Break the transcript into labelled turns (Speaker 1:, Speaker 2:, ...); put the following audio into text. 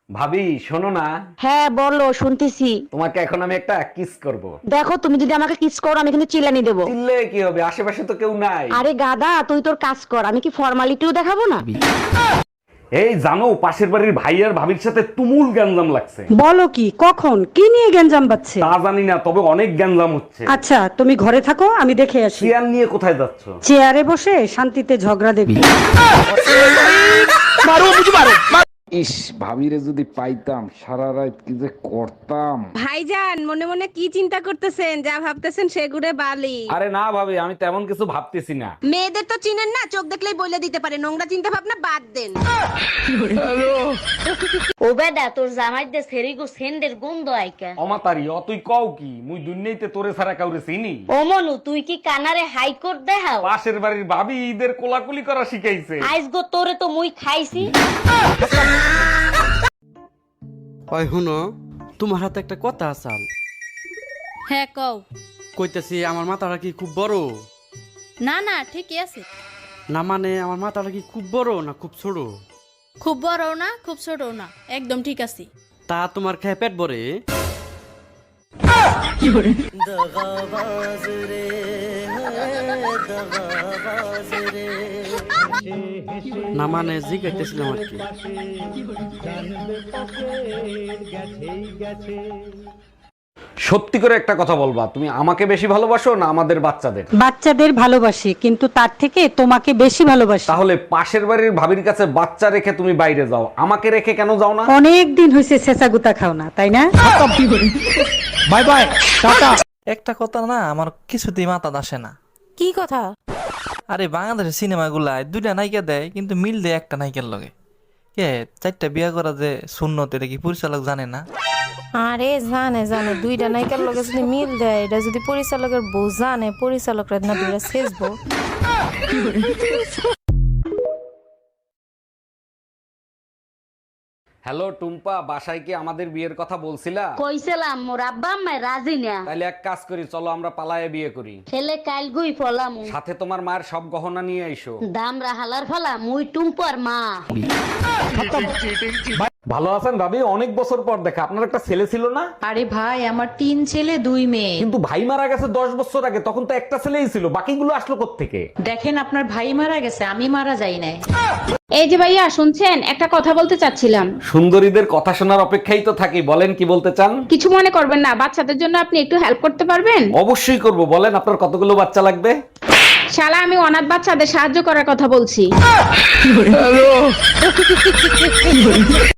Speaker 1: ভাবি শোনো না,
Speaker 2: হ্যাঁ বলো, শুনতেছি।
Speaker 1: তোমাকে এখন আমি একটা কিস করব।
Speaker 2: দেখো, তুমি যদি আমাকে কিস করো আমি কিন্তু চিল্লানি দেবো।
Speaker 1: চিল্লে কি হবে, আশেপাশে তো কেউ নাই।
Speaker 2: আরে গাদা, তুই তোর কাজ কর, আমি কি ফর্মালিটিও দেখাবো না?
Speaker 1: এই জানো, পাশের বাড়ির ভাই আর ভাবির সাথে তুমুল গ্যাঞ্জাম লাগছে।
Speaker 3: বলো কি, কখন, কি নিয়ে গ্যাঞ্জাম বাজছে?
Speaker 1: তা জানি না, তবে অনেক গ্যাঞ্জাম হচ্ছে।
Speaker 3: আচ্ছা, তুমি ঘরে থাকো, আমি দেখে আসি।
Speaker 1: চেয়ার নিয়ে কোথায় যাচ্ছ?
Speaker 3: চেয়ারে বসে শান্তিতে ঝগড়া দেখি।
Speaker 4: ইস, ভাবিরে যদি পাইতাম সারা রাত কি যে করতাম।
Speaker 5: ভাইজান মনে মনে কি চিন্তা করতেছেন? যা ভাবতেছেন সেগুড়ে বালি।
Speaker 1: আরে না ভাবি, আমি তেমন কিছু ভাবতেছি না।
Speaker 5: মেয়েদের তো চিনেন না, চোখ দেখলেই বলে দিতে পারে। নোংরা চিন্তা ভাবনা বাদ দেন।
Speaker 6: ও বেদা, তোর জামাই দে সেরিগো সেন্ডের গন্ধ আইকা।
Speaker 1: অমাতারি তুই কও কি, মুই দুনিয়াতে তোরে ছাড়া কাউরে চিনি?
Speaker 6: ও মনু, তুই কি কানারে হাইকোর্ট দেখাও?
Speaker 1: পাশের বাড়ির ভাবি ঈদের কোলাকুলি করা শিখাইছে।
Speaker 6: আইস গো তোরে তো মুই খাইছি।
Speaker 7: ওই হুনো, তোমার হাতে একটা কথা আসাল।
Speaker 8: হ্যাঁ কও।
Speaker 7: কইতেছি, আমার মাথাটা কি খুব বড়?
Speaker 8: না না, ঠিকই আছে।
Speaker 7: না মানে, আমার মাথাটা কি খুব বড় না খুব ছোট?
Speaker 8: খুব বড়ও না খুব ছোটও না, একদম ঠিক আছে।
Speaker 7: তা তোমার খেয়ে পেট ভরে? না মানে, জিজ্ঞাসছিলাম আর কি।
Speaker 1: সত্যি করে একটা কথা বলবা, তুমি আমাকে বেশি ভালোবাসো না আমাদের বাচ্চাদের?
Speaker 3: বাচ্চাদের ভালোবাসি, কিন্তু তার থেকে তোমাকে বেশি ভালোবাসি।
Speaker 1: তাহলে পাশের বাড়ির ভাবির কাছে বাচ্চা রেখে তুমি বাইরে যাও, আমাকে রেখে কেন যাও না?
Speaker 3: অনেক দিন হয়েছে ছেঁচা গুতা খাও না, তাই না?
Speaker 9: বাই বাই, টাটা। একটা কথা না, আমার কিছুতেই মাথা আসে না।
Speaker 8: কি কথা?
Speaker 9: আরে বাংলাদেশের সিনেমাগুলায় দুইটা নায়িকা দেয়, কিন্তু মিল দেয় একটা নায়িকার লগে। কে চারটা বিয়া করা যে সুন্নত, এটা কি পরিচালক জানে না?
Speaker 10: আরে জানে জানে, দুইটা নায়িকার লগে যদি মিল দেয়, এটা যদি পরিচালকের বউ জানে, পরিচালকরা না দুইটা শেষবো।
Speaker 1: হ্যালো টুম্পা, বাসায় কি আমাদের বিয়ের কথা বলছিলা?
Speaker 6: কইছিলাম, মোর আব্বা আম্মা রাজি না।
Speaker 1: তাইলে এক কাজ করি, চলো আমরা পালায়ে বিয়ে করি।
Speaker 6: ছেলে কাল গুই ফলাম,
Speaker 1: সাথে তোমার মায়ের সব গহনা নিয়ে আইসো।
Speaker 6: দামরা হালার ফলা, মুই টুম্পর মা।
Speaker 1: ভালো আছেন ভাবি? অনেক বছর পর দেখা। আপনার একটা ছেলে ছিল না?
Speaker 11: আরে ভাই, আমার 3 ছেলে 2 মেয়ে।
Speaker 1: কিন্তু ভাই মারা গেছে 10 বছর আগে, তখন তো একটা ছেলেই ছিল, বাকিগুলো আসলো কোত্থেকে?
Speaker 11: দেখেন, আপনার ভাই মারা গেছে, আমি মারা যাই নাই।
Speaker 5: এই যে ভাইয়া শুনছেন, একটা কথা বলতে চাচ্ছিলাম।
Speaker 1: সুন্দরীদের কথা শোনার অপেক্ষাই তো থাকি, বলেন কি বলতে চান?
Speaker 5: কিছু মনে করবেন না, বাচ্চাদের জন্য আপনি একটু হেল্প করতে পারবেন?
Speaker 1: অবশ্যই করব, বলেন আপনার কতগুলো বাচ্চা লাগবে?
Speaker 5: শালা, আমি অনাথ বাচ্চাদের সাহায্য করার কথা বলছি।